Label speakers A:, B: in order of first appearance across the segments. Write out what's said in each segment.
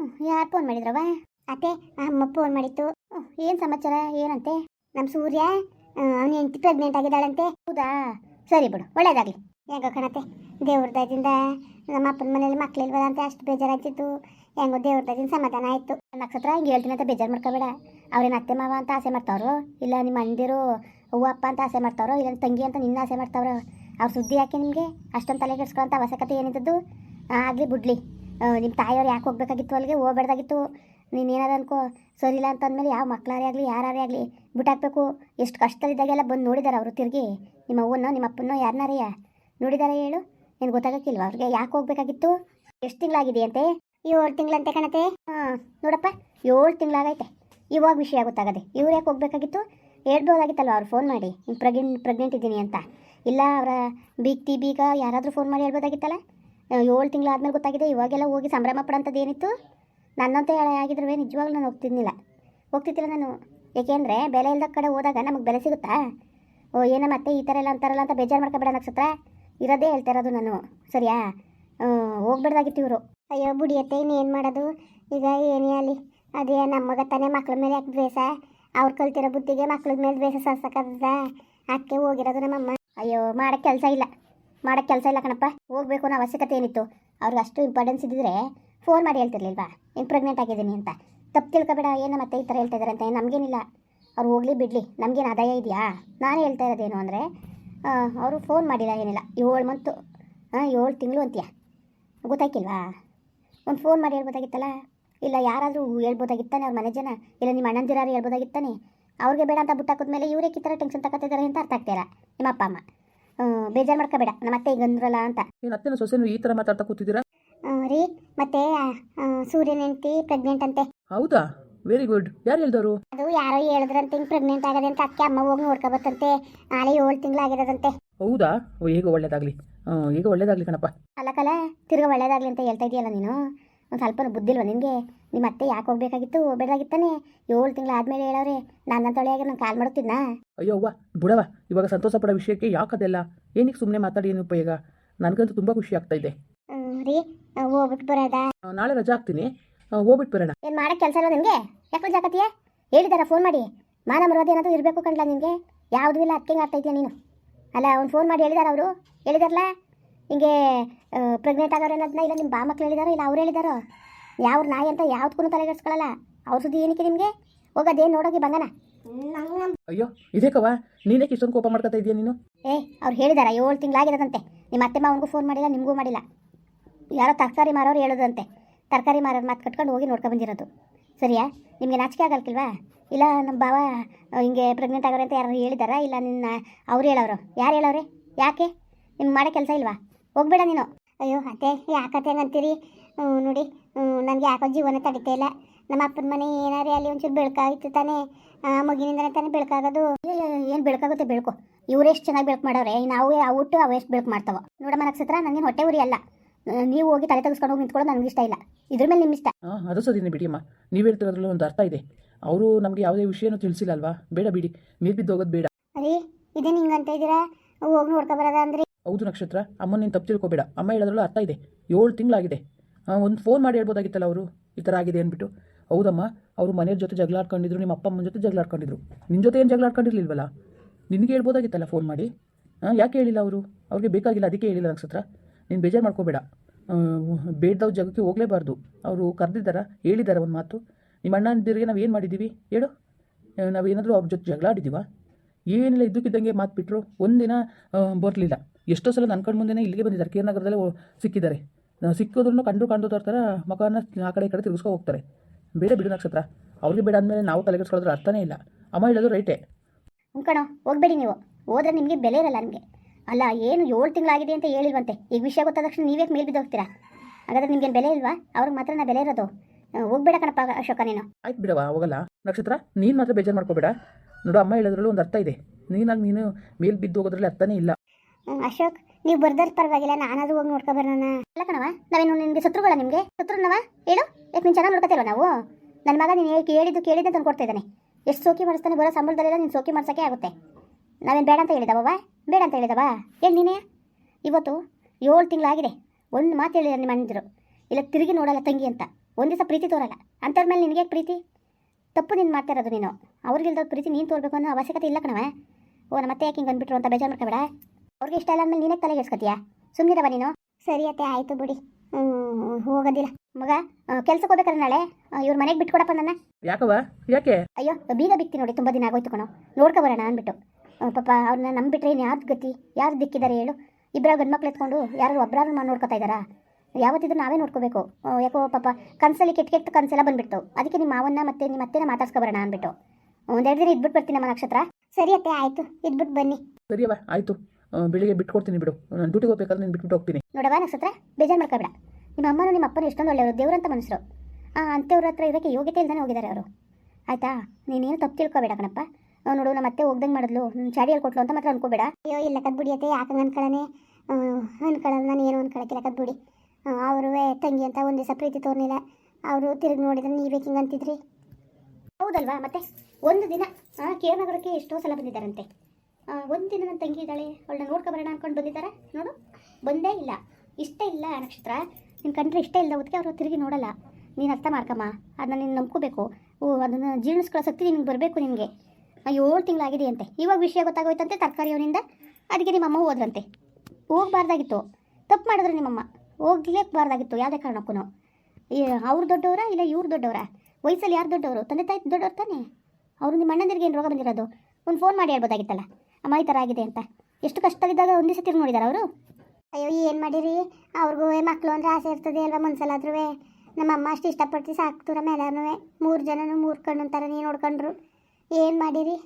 A: ಯಾರು ಫೋನ್ ಮಾಡಿದ್ರವ? ಅತ್ತೆ, ಅಮ್ಮ ಫೋನ್ ಮಾಡಿತ್ತು. ಏನು ಸಮಾಚಾರ, ಏನಂತೆ? ನಮ್ಮ ಸೂರ್ಯ ಅವನ ಹೆಂಡತಿ ಪ್ರೆಗ್ನೆಂಟ್ ಆಗಿದ್ದಾಳಂತೆ. ಹೌದಾ, ಸರಿ ಬಿಡು, ಒಳ್ಳೇದಾಗಲಿ. ಹೆಂಗೋ ಕಣತೆ, ದೇವ್ರ ದಯದಿಂದ ನಮ್ಮ ಅಪ್ಪನ ಮನೇಲಿ ಮಕ್ಳಿಲ್ವಲ್ಲ ಅಂತ ಅಷ್ಟು ಬೇಜಾರಾಗ್ತಿತ್ತು. ಹೆಂಗೋ ದೇವ್ರ ದಯದಿಂದ ಸಮಾಧಾನ ಆಯಿತು. ನಕ್ಷತ್ರ ಹಿಂಗೆ ಹೇಳ್ತೀನಿ ಅಂತ ಬೇಜಾರು ಮಾಡ್ಕೋಬೇಡ. ಅವ್ರೇನು ಅತ್ತೆ ಮಾವ ಅಂತ ಆಸೆ ಮಾಡ್ತಾವ್ರು, ಇಲ್ಲ ನಿಮ್ಮ ಅಣ್ಣದಿರು ಅವ್ವ ಅಪ್ಪ ಅಂತ ಆಸೆ ಮಾಡ್ತಾವ್ರೋ, ಇಲ್ಲ ತಂಗಿ ಅಂತ ನಿನ್ನ ಆಸೆ ಮಾಡ್ತಾವ್ರೋ. ಅವ್ರ ಸುದ್ದಿ ಯಾಕೆ ನಿಮಗೆ ಅಷ್ಟೊಂದು ತಲೆ ಕೆಡ್ಸ್ಕೊಳ್ಳೋಂಥ ಅವಶ್ಯಕತೆ ಏನಿದ್ದದ್ದು? ಆಗಲಿ ಬಿಡ್ಲಿ. ನಿಮ್ಮ ತಾಯಿಯವ್ರು ಯಾಕೆ ಹೋಗ್ಬೇಕಾಗಿತ್ತು ಅಲ್ಲಿಗೆ? ಹೋಗ್ಬೇಡ್ದಾಗಿತ್ತು. ನೀನೇನಾದ್ರು ಅನ್ಕೋ, ಸರಿಯಿಲ್ಲ ಅಂತಂದಮೇಲೆ ಯಾವ ಮಕ್ಕಳಾರೇ ಆಗಲಿ ಯಾರೇ ಆಗಲಿ ಬಿಟ್ಟಾಕಬೇಕು. ಎಷ್ಟು ಕಷ್ಟದಲ್ಲಿದ್ದಾಗೆಲ್ಲ ಬಂದು ನೋಡಿದಾರೆ ಅವರು ತಿರುಗಿ. ನಿಮ್ಮ ಅವ್ವನೋ ನಿಮ್ಮ ಅಪ್ಪನೋ ಯಾರನ್ನಾರೆಯ ನೋಡಿದಾರೆ ಹೇಳು? ಏನು ಗೊತ್ತಾಗಕ್ಕಿಲ್ವ ಅವ್ರಿಗೆ? ಯಾಕೆ ಹೋಗ್ಬೇಕಾಗಿತ್ತು? ಎಷ್ಟು ತಿಂಗಳಾಗಿದೆಯಂತೆ? 7 ತಿಂಗಳಂತೆ ಕಣತೆ. ನೋಡಪ್ಪ, 7 ತಿಂಗಳಾಗೈತೆ. ಇವಾಗ ವಿಷಯ ಗೊತ್ತಾಗದೆ. ಇವ್ರು ಯಾಕೆ ಹೋಗ್ಬೇಕಾಗಿತ್ತು? ಹೇಳ್ಬೋದಾಗಿತ್ತಲ್ವ ಅವ್ರು ಫೋನ್ ಮಾಡಿ, ಹಿಂಗೆ ಪ್ರೆಗ್ನೆಂಟ್ ಇದ್ದೀನಿ ಅಂತ. ಇಲ್ಲ ಅವರ ಬೀಗ ಯಾರಾದರೂ ಫೋನ್ ಮಾಡಿ ಹೇಳ್ಬೋದಾಗಿತ್ತಲ್ಲ. 7 ತಿಂಗಳಾದ್ಮೇಲೆ ಗೊತ್ತಾಗಿದೆ. ಇವಾಗೆಲ್ಲ ಹೋಗಿ ಸಂಭ್ರಮ ಪಡೋಂಥದ್ದು ಏನಿತ್ತು? ನನ್ನಂತೆ ಆಗಿದ್ರೂ ನಿಜವಾಗ್ಲೂ ನಾನು ಹೋಗ್ತಿದ್ದಿಲ್ಲ ನಾನು. ಏಕೆಂದರೆ ಬೆಲೆ ಇಲ್ದ ಕಡೆ ಹೋದಾಗ ನಮಗೆ ಬೆಲೆ ಸಿಗುತ್ತಾ? ಏನೋ ಮತ್ತೆ ಈ ಥರ ಎಲ್ಲ ಅಂತಾರಲ್ಲ ಅಂತ ಬೇಜಾರು ಮಾಡ್ಕೊಬೇಡ ನಕ್ಷತ್ರ. ಇರೋದೇ ಹೇಳ್ತಾ ಇರೋದು ನಾನು, ಸರಿಯಾ? ಹೋಗ್ಬೇಡ್ದಾಗಿತ್ತು ಇವರು. ಅಯ್ಯೋ ಬುಡಿಯತ್ತೆ, ಇನ್ನೇನು ಮಾಡೋದು ಈಗ? ಏನೇ ಅಲ್ಲಿ ಅದೇ ನಮ್ಮಗ ತಾನೇ ಮಕ್ಳ ಮೇಲೆ ಯಾಕೆ ದ್ವೇಷ? ಅವ್ರು ಕಲ್ತಿರೋ ಬುದ್ಧಿಗೆ ಮಕ್ಳ ಮೇಲೆ ದ್ವೇಷ ಸಾರ್ಸಕ್ಕದ? ಅದಕ್ಕೆ ಹೋಗಿರೋದು ನಮ್ಮಮ್ಮ. ಅಯ್ಯೋ, ಮಾಡೋಕ್ಕೆ ಕೆಲಸ ಇಲ್ಲ ಕಣಪ್ಪ. ಹೋಗಬೇಕು ಅನ್ನೋ ಅವಶ್ಯಕತೆ ಏನಿತ್ತು? ಅವ್ರಿಗೆ ಅಷ್ಟು ಇಂಪಾರ್ಟೆನ್ಸ್ ಇದ್ದಿದ್ರೆ ಫೋನ್ ಮಾಡಿ ಹೇಳ್ತಿರ್ಲಿಲ್ವಾ ಹಿಂಗೆ ಪ್ರೆಗ್ನೆಂಟ್ ಆಗಿದ್ದೀನಿ ಅಂತ? ತಪ್ಪು ತಿಳ್ಕೊಬೇಡ. ಏನೋ ಮತ್ತೆ ಈ ಥರ ಹೇಳ್ತಾ ಇದ್ದಾರೆ ಅಂತ. ನಮಗೇನಿಲ್ಲ, ಅವ್ರು ಹೋಗಲಿ ಬಿಡಲಿ, ನಮಗೇನು ಆದಾಯ ಇದೆಯಾ? ನಾನು ಹೇಳ್ತಾ ಇರೋದೇನು ಅಂದರೆ, ಅವರು ಫೋನ್ ಮಾಡಿಲ್ಲ, ಏನಿಲ್ಲ. 7 ಮಂತು 7 ತಿಂಗಳು ಅಂತೀಯ, ಗೊತ್ತಾಯ್ಕಿಲ್ವಾ? ಒಂದು ಫೋನ್ ಮಾಡಿ ಹೇಳ್ಬೋದಾಗಿತ್ತಲ್ಲ. ಇಲ್ಲ ಯಾರಾದರೂ ಹೇಳ್ಬೋದಾಗಿತ್ತಾನೆ ಅವ್ರ ಮನೆ ಜನ, ಇಲ್ಲ ನಿಮ್ಮ ಅಣ್ಣಂದಿರಾರು ಹೇಳ್ಬೋದಾಗಿತ್ತಾನೆ. ಅವ್ರಿಗೆ ಬೇಡ ಅಂತ ಬಿಟ್ಟಾಕಿದ್ಮೇಲೆ ಇವ್ರಿಗೆ ಈ ಥರ ಟೆನ್ಷನ್ ತಗೋತಿದ್ದಾರೆ ಅಂತ ಅರ್ಥ ಆಗ್ತಾಯಿಲ್ಲ ನಿಮ್ಮ ಅಪ್ಪ ಅಮ್ಮ. ಬೇಜಾರು ಮಾಡ್ಕೋಬೇಡ, ನಮ್ಮ ಅತ್ತೆ ಈಗ ಅಂದ್ರಲ್ಲ ಅಂತ.
B: ಅತ್ತೆನ ಸೊಸೆನು ಈ ಥರ ಮಾತಾಡ್ತಾ ಕೂತಿದ್ದೀರಾ
A: ರೀ? ಮತ್ತೆ ಸೂರ್ಯನ ಹೆಂಡತಿ ಪ್ರೆಗ್ನೆಂಟ್ ಅಂತೆ.
B: ಹೌದಾ? Very good. ಯಾರು ಹೇಳ್ದವರು? ಅದು
A: ಯಾರೋ ಹೇಳಿದ್ರಂತೆ ಹಿಂಗೆ ಪ್ರೆಗ್ನೆಂಟ್ ಆಗದೆ ಅಂತ. ಅದಕ್ಕೆ ಅಮ್ಮ ಹೋಗಿ ನೋಡ್ಕೊಬತ್ತಂತೆ. ನಾಳೆ 7 ತಿಂಗಳಾಗಿರೋದಂತೆ.
B: ಹೌದಾ? ಹೇಗೆ ಒಳ್ಳೇದಾಗಲಿ ಕಣಪ್ಪ.
A: ಅಲ್ಲ ತಿರ್ಗ ಒಳ್ಳೇದಾಗಲಿ ಅಂತ ಹೇಳ್ತಾ ಇದೆಯಲ್ಲ ನೀನು. ಒಂದು ಸ್ವಲ್ಪ ಬುದ್ಧಿಲ್ವ ನಿನಗೆ? ನಿಮ್ಮ ಅತ್ತೆ ಯಾಕೆ ಹೋಗ್ಬೇಕಾಗಿತ್ತು? ಹೋಗ್ಬೇಕಾಗಿತ್ತಾನೆ. 7 ತಿಂಗಳಾದ್ಮೇಲೆ ಹೇಳವ್ರೆ. ನನ್ನಂತೊಳೆಯಾಗಿ ನಾನು ಕಾಲ್ ಮಾಡುತ್ತಿದ್ನಾ?
B: ಅಯ್ಯೋ ಅವ್ವ ಬಿಡವ, ಇವಾಗ ಸಂತೋಷ ಪಡೋ ವಿಷಯಕ್ಕೆ ಯಾಕದೆಲ್ಲ? ಏನಕ್ಕೆ ಸುಮ್ಮನೆ ಮಾತಾಡಿ ಏನು ಉಪಯೋಗ? ನನಗಂತೂ ತುಂಬ ಖುಷಿ ಆಗ್ತಾ ಇದೆ.
A: ರೀ, ಹೋಗ್ಬಿಟ್ಟು ಬರೋದಾ?
B: ನಾಳೆ ರಜಾ ಹಾಕ್ತೀನಿ, ಹೋಗ್ಬಿಟ್ಟು ಬರೋಣ.
A: ಏನು ಮಾಡೋಕ್ಕೆ ಕೆಲಸ ಇಲ್ಲ ನಿನಗೆ? ಯಾಕೆ ರಜಾ ಹಾಕತ್ತೀಯ? ಹೇಳಿದಾರ ಫೋನ್ ಮಾಡಿ? ಮಾನ ಮರ್ಯಾದೆ ಏನಾದರೂ ಇರಬೇಕು ಕಣ್ಲ ನಿನಗೆ? ಯಾವುದೂ ಇಲ್ಲ, ಅದಕ್ಕೆ ಆಡ್ತಾ ಇದೆಯಾ ನೀನು? ಅಲ್ಲ, ಒಂದು ಫೋನ್ ಮಾಡಿ ಹೇಳಿದಾರ ಅವರು? ಹೇಳಿದಾರಲ್ಲ ಹಿಂಗೆ ಪ್ರೆಗ್ನೆಂಟ್ ಆಗೋರು ಅನ್ನೋದನ್ನ? ಇಲ್ಲ ನಿಮ್ಮ ಬಾ ಮಕ್ಳು ಹೇಳಿದಾರೋ, ಇಲ್ಲ ಅವ್ರು ಹೇಳಿದಾರೋ? ಯಾವ್ರು ನಾಯಿ ಅಂತ ಯಾವ್ದಕ್ಕೂ ತಲೆಗೆಡ್ಸ್ಕೊಳ್ಳಲ್ಲ. ಅವ್ರ ಸುದ್ದಿ ಏನಕ್ಕೆ ನಿಮಗೆ? ಹೋಗೋದೇನು ನೋಡೋಗಿ ಬಂಗನ.
B: ಅಯ್ಯೋ ಇದೇಕವ, ನೀನೇಕೆ ಇಷ್ಟೊಂದು ಕೋಪ ಮಾಡ್ಕೊತಾ ಇದೆಯಾ ನೀನು?
A: ಅವ್ರು ಹೇಳಿದಾರ 7 ತಿಂಗಳಾಗಿರೋದಂತೆ. ನಿಮ್ಮ ಅತ್ತೆ ಮಾವನಿಗೂ ಫೋನ್ ಮಾಡಿಲ್ಲ, ನಿಮಗೂ ಮಾಡಿಲ್ಲ. ಯಾರೋ ತರಕಾರಿ ಮಾರೋರು ಹೇಳೋದಂತೆ. ತರಕಾರಿ ಮಾರೋರು ಮಾತು ಕಟ್ಕೊಂಡು ಹೋಗಿ ನೋಡ್ಕೊಂಡು ಬಂದಿರೋದು. ಸರಿಯಾ? ನಿಮಗೆ ನಾಚಿಕೆ ಆಗಲ್ಕಿಲ್ವಾ? ಇಲ್ಲ ನಮ್ಮ ಬಾವ ಹಿಂಗೆ ಪ್ರೆಗ್ನೆಂಟ್ ಆಗೋರು ಅಂತ ಯಾರು ಹೇಳಿದಾರಾ? ಇಲ್ಲ ನಿನ್ನ ಅವ್ರು ಹೇಳೋರು? ಯಾರು ಹೇಳೋರೆ? ಯಾಕೆ ನಿಮ್ಗೆ ಮಾಡೋ ಕೆಲಸ ಇಲ್ವಾ? ಹೋಗ್ಬೇಡ ನೀನು. ಅಯ್ಯೋ ಅತ್ತೆ, ಯಾಕತ್ತೆ ಹಂಗಂತೀರಿ? ನೋಡಿ, ನನಗೆ ಯಾಕೋ ಜೀವನ ತಡಿತಾ ಇಲ್ಲ. ನಮ್ಮ ಅಪ್ಪನ ಮನೆ ಏನಾರೇ ಅಲ್ಲಿ ಒಂಚೂರು ಬೆಳಕಾಗಿತ್ತು ತಾನೇ. ಮಗಿನಿಂದನೇ ತಾನೇ ಬೆಳಕಾಗೋದು. ಏನು ಬೆಳಕಾಗುತ್ತೆ? ಬೆಳಕು ಇವರೆಷ್ಟು ಚೆನ್ನಾಗಿ ಬೆಳಕು ಮಾಡೋರೆ. ನಾವು ಔಟು ಅವು ಎಷ್ಟು ಬೆಳಕು ಮಾಡ್ತಾವ ನೋಡಮ್ಮ ನಕ್ಷತ್ರ. ನನಗೇನು ಹೊಟ್ಟೆ ಉರಿ ಅಲ್ಲ. ನೀವು ಹೋಗಿ ತಲೆ ತೆಗೆಸ್ಕೊಂಡು ಹೋಗಿ ನಿಂತ್ಕೊಳ್ಳೋದು ನನಗೆ ಇಷ್ಟ ಇಲ್ಲ. ಇದ್ರ ಮೇಲೆ ನಿಮ್ಮ ಇಷ್ಟ.
B: ಅದು ಸರಿನೇ ಬಿಡಿಯಮ್ಮ, ನೀವು ಹೇಳ್ತಿರೋದ್ರಲ್ಲಿ ಒಂದು ಅರ್ಥ ಇದೆ. ಅವರು ನಮಗೆ ಯಾವುದೇ ವಿಷಯನೂ ತಿಳಿಸಿಲ್ಲ ಅಲ್ವಾ? ಬೇಡ ಬಿಡಿ, ನೀರು ಬಿದ್ದು ಹೋಗೋದು ಬೇಡ.
A: ಅರೇ, ಇದೇನು ಹಿಂಗಂತ ಇದ್ದೀರಾ? ಹೋಗಿ ನೋಡ್ಕೊಬರೋದ ಅಂದ್ರೆ?
B: ಹೌದು ನಕ್ಷತ್ರ, ಅಮ್ಮ ನೀನು ತಪ್ಪು ತಿಳ್ಕೊಬೇಡ. ಅಮ್ಮ ಹೇಳೋದ್ರಲ್ಲೂ ಅರ್ಥ ಇದೆ. 7 ತಿಂಗಳಾಗಿದೆ. ಒಂದು ಫೋನ್ ಮಾಡಿ ಹೇಳ್ಬೋದಾಗಿತ್ತಲ್ಲ ಅವರು ಈ ಥರ ಆಗಿದೆ ಅಂದ್ಬಿಟ್ಟು. ಹೌದಮ್ಮ, ಅವರು ಮನೆಯವ್ರ ಜೊತೆ ಜಗಳ ಆಡ್ಕೊಂಡಿದ್ರು, ನಿಮ್ಮ ಅಪ್ಪ ಅಮ್ಮನ ಜೊತೆ ಜಗಳ ಆಡ್ಕೊಂಡಿದ್ರು. ನಿನ್ನ ಜೊತೆ ಏನು ಜಗಳ ಆಡ್ಕೊಂಡಿರ್ಲಿಲ್ವಲ್ಲ? ನಿನಗೆ ಹೇಳ್ಬೋದಾಗಿತ್ತಲ್ಲ ಫೋನ್ ಮಾಡಿ. ಯಾಕೆ ಹೇಳಿಲ್ಲ ಅವರು? ಅವ್ರಿಗೆ ಬೇಕಾಗಿಲ್ಲ, ಅದಕ್ಕೆ ಹೇಳಿಲ್ಲ ನಕ್ಷತ್ರ. ನೀನು ಬೇಜಾರು ಮಾಡ್ಕೋಬೇಡ. ಬೇಡ್ದವ್ ಜಾಗಕ್ಕೆ ಹೋಗಲೇಬಾರ್ದು. ಅವರು ಕರೆದಿದ್ದಾರ, ಹೇಳಿದ್ದಾರೆ ಒಂದು ಮಾತು. ನಿಮ್ಮ ಅಣ್ಣಂದಿರಿಗೆ ನಾವು ಏನು ಮಾಡಿದ್ದೀವಿ ಹೇಳು? ನಾವೇನಾದರೂ ಅವ್ರ ಜೊತೆ ಜಗಳ ಆಡಿದ್ದೀವ? ಏನಿಲ್ಲ, ಇದ್ದಕ್ಕಿದ್ದಂಗೆ ಮಾತು ಬಿಟ್ಟರು. ಒಂದಿನ ಬರಲಿಲ್ಲ. ಎಷ್ಟೋ ಸಲ ನನ್ನ ಕಣ್ಣು ಮುಂದೆನೇ ಇಲ್ಲಿಗೆ ಬಂದಿದ್ದಾರೆ. ಕೇರ್ನಗರದಲ್ಲೇ ಸಿಕ್ಕಿದ್ದಾರೆ. ಸಿಕ್ಕೋದ್ರೂ ಕಂಡು ತರ್ತಾರೆ, ಮಕ್ಕಳನ್ನ ಆ ಕಡೆ ಈ ಕಡೆ ತಿರ್ಗಿಸ್ಕೊ ಹೋಗ್ತಾರೆ. ಬೇಡ ಬಿಡು ನಕ್ಷತ್ರ, ಅವ್ರಿಗೆ ಬೇಡ ಅಂದಮೇಲೆ ನಾವು ತಲೆಗೆಡ್ಸ್ಕೊಳ್ಳೋದ್ರ ಅರ್ಥನೇ ಇಲ್ಲ. ಅಮ್ಮ ಹೇಳೋದು ರೈಟೇ.
A: ಕಣೋ, ಹೋಗ್ಬೇಡಿ ನೀವು. ಹೋದ್ರೆ ನಿಮಗೆ ಬೆಲೆ ಇರಲ್ಲ. ನನಗೆ ಅಲ್ಲ, ಏನು 7 ತಿಂಗಳಾಗಿದೆ ಅಂತ ಹೇಳಿಲ್ವಂತೆ. ಈಗ ವಿಷಯ ಗೊತ್ತಾದ ತಕ್ಷಣ ನೀವೇ ಮೇಲೆ ಬಿದ್ದು ಹೋಗ್ತೀರಾ? ಹಾಗಾದ್ರೆ ನಿಮ್ಗೇನು ಬೆಲೆ ಇಲ್ವಾ? ಅವ್ರಿಗೆ ಮಾತ್ರ ನಾ ಬೆಲೆ ಇರೋದು. ಹೋಗ್ಬೇಡ ಕಣಪ್ಪ ಅಶೋಕ ನೀನು.
B: ಆಯ್ತು ಬಿಡವಾ, ಹೋಗಲ್ಲ. ನಕ್ಷತ್ರ, ನೀನು ಮಾತ್ರ ಬೇಜಾರು ಮಾಡ್ಕೋಬೇಡ. ನೋಡು, ಅಮ್ಮ ಹೇಳೋದ್ರಲ್ಲೂ ಒಂದು ಅರ್ಥ ಇದೆ. ನೀನಾಗಿ ನೀನು ಮೇಲೆ ಬಿದ್ದು ಹೋಗೋದ್ರಲ್ಲಿ ಅರ್ಥನೇ ಇಲ್ಲ.
A: ಅಶೋಕ್, ನೀವು ಬರ್ದಾರ ಪರವಾಗಿಲ್ಲ, ನಾನಾದ್ರೂ ಹೋಗಿ ನೋಡ್ಕೊಬರೋಣ. ಅಲ್ಲ ಕಣವ, ನಾವೇನು ನಿಮಗೆ ಶತ್ರುಗಳ? ನಿಮಗೆ ಶತ್ರುನವ ಹೇಳು? ಯಾಕೆ ನೀನು ಚೆನ್ನಾಗಿ ನೋಡ್ಕೊತೀವ ನಾವು? ನನ್ನ ಮಗ ನೀನು ಕೇಳಿದ್ದೆ ತಂದು ಕೊಡ್ತಾ ಇದ್ದಾನೆ. ಎಷ್ಟು ಸೋಕಿ ಮಾಡಿಸ್ತಾನೆ, ಬರೋ ಸಂಬಳದಲ್ಲೆಲ್ಲ ನೀನು ಸೋಕಿ ಮಾಡ್ಸೋಕ್ಕೆ ಆಗುತ್ತೆ. ನಾವೇನು ಬೇಡ ಅಂತ ಹೇಳಿದವ? ಬೇಡ ಅಂತ ಹೇಳಿದವ? ಏನು ನೀನೇ? ಇವತ್ತು 7 ತಿಂಗಳಾಗಿದೆ. ಒಂದು ಮಾತು ಹೇಳಿದಾರೆ ನಿಮ್ಮ ಅಣ್ಣಂದಿರು. ಇಲ್ಲ ತಿರುಗಿ ನೋಡಲ್ಲ ತಂಗಿ ಅಂತ. ಒಂದು ದಿವಸ ಪ್ರೀತಿ ತೋರಲ್ಲ ಅಂಥವ್ರ ಮೇಲೆ ನಿನಗೆ ಪ್ರೀತಿ ತಪ್ಪು ನೀನು ಮಾಡ್ತಾ ಇರೋದು ನೀನು ಅವ್ರಿಗಿಲ್ದ ಪ್ರೀತಿ ನೀನು ತೋರ್ಬೇಕು ಅನ್ನೋ ಅವಶ್ಯಕತೆ ಇಲ್ಲ ಕಣವ. ಓ ನಮ್ಮ ಮತ್ತೆ ಯಾಕೆ ಹಿಂಗೆ ಅಂದ್ಬಿಟ್ರು ಅಂತ ಬೇಜಾರು ಮಾಡ್ಕೊಬೇಡ. ಅವ್ರಿಗೆ ಇಷ್ಟ ಇಲ್ಲ ಅಂದಮೇಲೆ ನೀನೇ ತಲೆಗೆಡ್ಸ್ಕೊತೀಯಾ? ಸುಮ್ಮನಿರವ ನೀನು. ಸರಿ ಅತ್ತೆ ಆಯಿತು ಬಿಡಿ. ಹೋಗೋದಿಲ್ಲ ಮಗ. ಕೆಲ್ಸಕ್ಕೆ ಹೋಗ್ಬೇಕಾದ್ರೆ ನಾಳೆ ಇವ್ರ ಮನೆಗೆ ಬಿಟ್ಕೊಡಪ್ಪ ನನ್ನ.
B: ಯಾಕವ್ವ? ಯಾಕೆ?
A: ಅಯ್ಯೋ ಬೀಗ ಬಿತ್ತಿ ನೋಡಿ, ತುಂಬ ದಿನ ಆಗೋಯ್ತು ಕಣೋ, ನೋಡ್ಕೊಬರೋಣ ಅಂದ್ಬಿಟ್ಟು. ಪಾಪ ಅವ್ರನ್ನ ನಂಬಿಟ್ರೆ ಇನ್ನು ಯಾವ್ದು ಗತಿ, ಯಾರು ದಿಕ್ಕಿದ್ದಾರೆ ಹೇಳು? ಇಬ್ಬರ ಗಂಡ್ಮಕ್ಳು ಎತ್ಕೊಂಡು ಯಾರು ಒಬ್ಬರಾದ್ರು ನೋಡ್ಕೊತಾ ಇದ್ದಾರಾ? ಯಾವತ್ತಿದ್ರು ನಾವೇ ನೋಡ್ಕೋಬೇಕು. ಯಾಕೋ ಪಾಪ ಕನಸಲ್ಲಿ ಕೆಟ್ಟ ಕೆಟ್ಟ ಕನಸೆಲ್ಲ ಬಂದ್ಬಿಡ್ತು. ಅದಕ್ಕೆ ನಿಮ್ಮ ಮಾವನ್ನ ಮತ್ತೆ ನಿಮ್ಮ ಅತ್ತೆನ ಮಾತಾಡ್ಸ್ಕೊಬರೋಣ ಅಂದ್ಬಿಟ್ಟು ಒಂದೆರಡು ದಿನ ಇದ್ಬಿಟ್ಟು ಬರ್ತೀನಿ ನಮ್ಮ ನಕ್ಷತ್ರ. ಸರಿ ಅತ್ತೆ ಆಯಿತು, ಇದ್ಬಿಟ್ಟು ಬನ್ನಿ.
B: ಸರಿಯವ್ವ ಆಯಿತು. ಬೆಳಿಗ್ಗೆ ಬಿಟ್ಕೊಡ್ತೀನಿ ಬಿಡು. ನಾನು ಡ್ಯೂಟಿಗೆ ಹೋಗ್ಬೇಕಾದ್ರೆ ನೀನು ಬಿಟ್ಬಿಟ್ಟು ಹೋಗ್ತೀನಿ.
A: ನೋಡವಾ ನಕ್ಷತ್ರ, ಬೇಜಾರು ಮಾಡ್ಕೊಬೇಡ. ನಿಮ್ಮ ಅಮ್ಮನೂ ನಿಮ್ಮ ಅಪ್ಪನೂ ಎಷ್ಟೊಂದು ಒಳ್ಳೆಯವರು, ದೇವರಂತ ಮನುಷ್ಯರು. ಅಂಥವ್ರ ಹತ್ರ ಇರೋಕ್ಕೆ ಯೋಗ್ಯತೆ ಇಲ್ದಾನೆ ಹೋಗಿದ್ದಾರೆ ಅವರು. ಆಯಿತಾ? ನೀನೇನು ತಪ್ಪು ತಿಳ್ಕೊಬೇಡ ಕಣಪ್ಪ. ನೋಡು ನಮ್ಮ ಅತ್ತೆ ಹೋಗ್ದಂಗೆ ಮಾಡಿದ್ಲು, ಚಾಡಿ ಹೇಳ್ಕೊಟ್ಲು ಅಂತ ಮಾತ್ರ ಅನ್ಕೋಬೇಡ. ಅಯ್ಯೋ ಇಲ್ಲ ಕದ್ಬಿಡಿ ಅತ್ತೆ, ಯಾಕಂಗೆ ಅನ್ಕೊಳ್ಳೋಣ ಅನ್ಕೊಳ್ಳೋದು. ನಾನು ಏನು ಅನ್ಕೊಳಕ್ಕಿಲ್ಲ ಕದ್ಬಿಡಿ. ಅವರು ತಂಗಿ ಅಂತ ಒಂದು ದಿವಸ ಪ್ರೀತಿ ತೋರ್ನಿಲ್ಲ. ಅವರು ತಿರುಗಿ ನೋಡಿದ್ರೆ ನೀವೇ ಹಿಂಗೆ ಅಂತಿದ್ರಿ. ಹೌದಲ್ವಾ? ಮತ್ತೆ ಒಂದು ದಿನ ಕೇರನಗರಕ್ಕೆ ಎಷ್ಟೋ ಸಲ ಬಂದಿದ್ದಾರಂತೆ. ಒಂದು ದಿನ ನನ್ನ ತಂಗಿ ಇದ್ದಾಳೆ, ಅವಳನ್ನ ನೋಡ್ಕೊಬರೋಣ ಅಂದ್ಕೊಂಡು ಬಂದಿದ್ದಾರೆ. ನೋಡು ಬಂದೇ ಇಲ್ಲ. ಇಷ್ಟ ಇಲ್ಲ ನಕ್ಷತ್ರ, ನಿನ್ನ ಕಂಡ್ರೆ ಇಷ್ಟ ಇಲ್ಲ, ಅದಕ್ಕೆ ಅವರು ತಿರುಗಿ ನೋಡಲ್ಲ. ನೀನು ಅರ್ಥ ಮಾಡ್ಕಮ್ಮ, ಅದನ್ನ ನೀನು ನಂಬ್ಕೋಬೇಕು. ಅದನ್ನು ಜೀರ್ಣಿಸ್ಕೊಳ್ಳೋ ಶಕ್ತಿ ನಿನಗೆ ಬರಬೇಕು. ನಿನಗೆ 7 ತಿಂಗಳಾಗಿದೆ ಅಂತೆ. ಇವಾಗ ವಿಷಯ ಗೊತ್ತಾಗೋಯ್ತಂತೆ ತರಕಾರಿಯವನಿಂದ. ಅದಕ್ಕೆ ನಿಮ್ಮಮ್ಮ ಹೋದ್ರಂತೆ. ಹೋಗಬಾರ್ದಾಗಿತ್ತು, ತಪ್ಪು ಮಾಡಿದ್ರು ನಿಮ್ಮಮ್ಮ. ಹೋಗ್ಲೇಬಾರ್ದಾಗಿತ್ತು ಯಾವುದೇ ಕಾರಣಕ್ಕೂ. ಅವ್ರು ದೊಡ್ಡವರ ಇಲ್ಲ ಇವ್ರು ದೊಡ್ಡವರ? ವಯಸ್ಸಲ್ಲಿ ಯಾರು ದೊಡ್ಡವರು? ತಂದೆ ತಾಯಿ ದೊಡ್ಡವ್ರು ತಾನೆ. ಅವರು ನಿಮ್ಮ ಅಣ್ಣಂದಿರಿಗೆ ಏನು ರೋಗ ಬಂದಿರೋದು? ಒಂದು ಫೋನ್ ಮಾಡಿ ಹೇಳ್ಬೋದಾಗಿತ್ತಲ್ಲ, ಅಮ್ಮ ಈ ಥರ ಆಗಿದೆ ಅಂತ. ಎಷ್ಟು ಕಷ್ಟದಲ್ಲಿದ್ದಾಗ ಒಂದು ದಿವಸ ತಿರುಗಿ ನೋಡಿದಾರೆ ಅವರು. ಅಯ್ಯೋ ಏನು ಮಾಡಿರಿ, ಅವ್ರಿಗೂ ಮಕ್ಕಳು ಅಂದರೆ ಆಸೆ ಇರ್ತದೆ ಅಲ್ವಾ? ಮನ್ಸಲ್ಲಾದ್ರೂ ನಮ್ಮ ಅಮ್ಮ ಅಷ್ಟು ಇಷ್ಟಪಟ್ಟು ಸಾಕ್ತೂರ ಮೇಲಾನು 3 ಜನನು 3 ಕಣ್ಣು ಅಂತಾರೆ, ನೀನು ನೋಡ್ಕೊಂಡ್ರು. ಏನು ಮಾಡಿರಿ?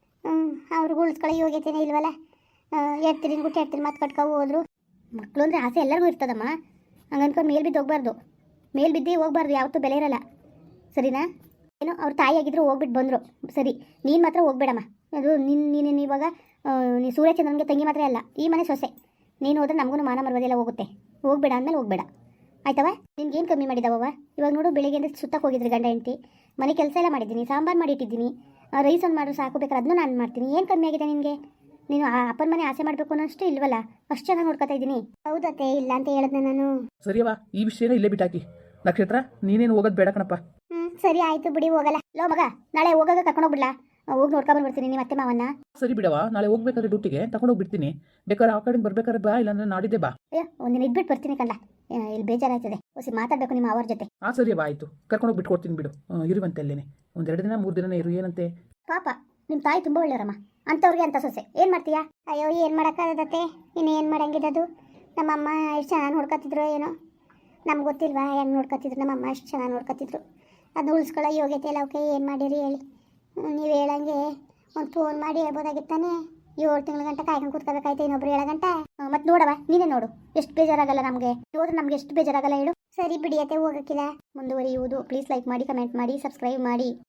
A: ಅವ್ರಿಗೂ ಉಳಿಸ್ಕೊಳ್ಳೋ ಯೋಗ್ಯತೆನೇ ಇಲ್ವಲ್ಲ. ಎಡ್ತಿರಿ ಮಾತು ಕಟ್ಕೊ ಹೋದ್ರು. ಮಕ್ಕಳು ಅಂದರೆ ಆಸೆ ಎಲ್ಲರಿಗೂ ಇರ್ತದಮ್ಮ. ಹಂಗೆ ಅನ್ಕೊಂಡು ಮೇಲ್ ಬಿದ್ದು ಹೋಗ್ಬಾರ್ದು. ಮೇಲ್ ಬಿದ್ದು ಹೋಗ್ಬಾರ್ದು, ಯಾವತ್ತೂ ಬೆಲೆ ಇರಲ್ಲ. ಸರಿನಾ? ಏನೋ ಅವ್ರ ತಾಯಿಯಾಗಿದ್ರು ಹೋಗ್ಬಿಟ್ಟು ಬಂದರು. ಸರಿ, ನೀನು ಮಾತ್ರ ಹೋಗ್ಬೇಡಮ್ಮ. ಅದು ನೀನು ಇವಾಗ ನೀ ಸೂರ್ಯಚಂದ್ರನಿಗೆ ತಂಗಿ ಮಾತ್ರ ಅಲ್ಲ, ಈ ಮನೆ ಸೊಸೆ. ನೀನು ಹೋದ್ರೆ ನಮಗೂ ಮಾನ ಮರ್ಯಾದೆಲ್ಲ ಹೋಗುತ್ತೆ. ಹೋಗ್ಬೇಡ ಅಂದಮೇಲೆ ಹೋಗ್ಬೇಡ, ಆಯ್ತವ? ನಿನ್ಗೇನು ಕಮ್ಮಿ ಮಾಡಿದವವ? ಇವಾಗ ನೋಡು, ಬೆಳಿಗ್ಗೆ ಸುತ್ತಕ್ಕೆ ಹೋಗಿದ್ರಿ ಗಂಡ ಹೆಂಡತಿ. ಮನೆ ಕೆಲಸ ಎಲ್ಲ ಮಾಡಿದ್ದೀನಿ, ಸಾಂಬಾರು ಮಾಡಿಟ್ಟಿದ್ದೀನಿ, ರೈಸ್ ಒಂದು ಮಾಡಿದ್ರು ಸಾಕು, ಬೇಕಾದ್ರೆ ಅದನ್ನು ನಾನು ಮಾಡ್ತೀನಿ. ಏನು ಕಮ್ಮಿ ಆಗಿದೆ ನಿನಗೆ? ನೀನು ಅಪ್ಪನ ಮನೆ ಆಸೆ ಮಾಡಬೇಕು ಅನ್ನೋಷ್ಟು ಇಲ್ವಲ್ಲ, ಅಷ್ಟು ಚೆನ್ನಾಗಿ ನೋಡ್ಕೊತಾ ಇದ್ದೀನಿ. ಹೌದತ್ತೆ, ಇಲ್ಲ ಅಂತ ಹೇಳಿದ್ನ ನಾನು.
B: ಸರಿಯವ್ವ, ಈ ವಿಷಯನ ಇಲ್ಲೇ ಬಿಟ್ಟಾಕಿ. ನಕ್ಷತ್ರ, ನೀನೇನು ಹೋಗೋದು ಬೇಡ ಕಣಪ್ಪ.
A: ಸರಿ ಆಯಿತು ಬಿಡಿ, ಹೋಗಲ್ಲ. ಲೋ ಮಗ, ನಾಳೆ ಹೋಗಾಗ ಕರ್ಕೊಂಡೋಗ್ಬಿಡ್ಲಾ? ಹೋಗಿ ನೋಡ್ಕೊಂಡ್ಬರ್ತೀನಿ ನಿಮ್ಮ ಅತ್ತೆ ಮಾವನ್ನ.
B: ಸರಿ ಬಿಡವಾ, ನಾಳೆ ಹೋಗ್ಬೇಕಾದ್ರೆ ಡ್ಯೂಟಿಗೆ ತಗೊಂಡೋಗಿ ಬಿಡ್ತೀನಿ. ಬೇಕಾದ್ರೆ ಆ ಕಡೆ ಬರ್ಬೇಕಾದ್ರೆ ಬಾ, ಇಲ್ಲಾಂದ್ರೆ ನಾಡಿದ್ದೆ ಬಾ.
A: ಅಯ್ಯೋ ಒಂದಿನ ಇದ್ಬಿಟ್ಟು ಬರ್ತೀನಿ ಕಂಡ, ಇಲ್ಲಿ ಬೇಜಾರಾಯ್ತದೆ. ಹೊಸಿ ಮಾತಾಡಬೇಕು ನಿಮ್ಮ ಅವ್ರ ಜೊತೆ.
B: ಸರಿಯವ್ವ ಆಯಿತು, ಕರ್ಕೊಂಡೋಗಿ ಬಿಟ್ಕೊಡ್ತೀನಿ ಬಿಡು. ಇರುವಂತೆ ಅಲ್ಲೇನೆ ಒಂದು 2 ದಿನ 3 ದಿನ ಇರು, ಏನಂತೆ?
A: ಪಾಪ ನಿಮ್ಮ ತಾಯಿ ತುಂಬ ಒಳ್ಳೆಯವರಮ್ಮ, ಅಂಥವ್ರಿಗೆ ಅಂತ ಸೊಸೆ ಏನು ಮಾಡ್ತೀಯಾ? ಅಯ್ಯೋ ಏನು ಮಾಡೋಕ್ಕಾಗತ್ತೆ, ಇನ್ನು ಏನು ಮಾಡಂಗಿದ್ದದು. ನಮ್ಮಮ್ಮ ಎಷ್ಟು ಚೆನ್ನಾಗಿ ನೋಡ್ಕೊತಿದ್ರು ಏನೋ, ನಮ್ಗೆ ಗೊತ್ತಿಲ್ವಾ ಹೆಂಗೆ ನೋಡ್ಕೊತಿದ್ರು? ನಮ್ಮಮ್ಮ ಅಷ್ಟು ಚೆನ್ನಾಗಿ ನೋಡ್ಕೊತಿದ್ರು. ಅದು ಉಳಿಸ್ಕೊಳ್ಳೋ ಯೋಗ್ಯತೆ ಇಲ್ಲ. ಅವಕ್ಕೆ ಏನು ಮಾಡಿರಿ ಹೇಳಿ? ನೀವು ಹೇಳಂಗೆ ಒಂದು ಫೋನ್ ಮಾಡಿ ಹೇಳ್ಬೋದಾಗಿತ್ತಾನೆ. 7 ತಿಂಗಳ ಗಂಟೆ ಕಾಯ್ಕೊಂಡು ಕೂತ್ಕೋಬೇಕಾಯ್ತು, ಇನ್ನೊಬ್ರು 7 ಗಂಟೆ. ಮತ್ತೆ ನೋಡವ, ನೀನೇ ನೋಡು, ಎಷ್ಟು ಬೇಜಾರಾಗಲ್ಲ ನಮಗೆ. ಹೋದ್ರೆ ನಮ್ಗೆ ಎಷ್ಟು ಬೇಜಾರಾಗಲ್ಲ ಹೇಳು? ಸರಿ ಬಿಡಿಯತ್ತೆ, ಹೋಗೋಕ್ಕಿಲ್ಲ. ಮುಂದುವರಿಯುವುದು. ಪ್ಲೀಸ್ ಲೈಕ್ ಮಾಡಿ, ಕಮೆಂಟ್ ಮಾಡಿ, ಸಬ್ಸ್ಕ್ರೈಬ್ ಮಾಡಿ.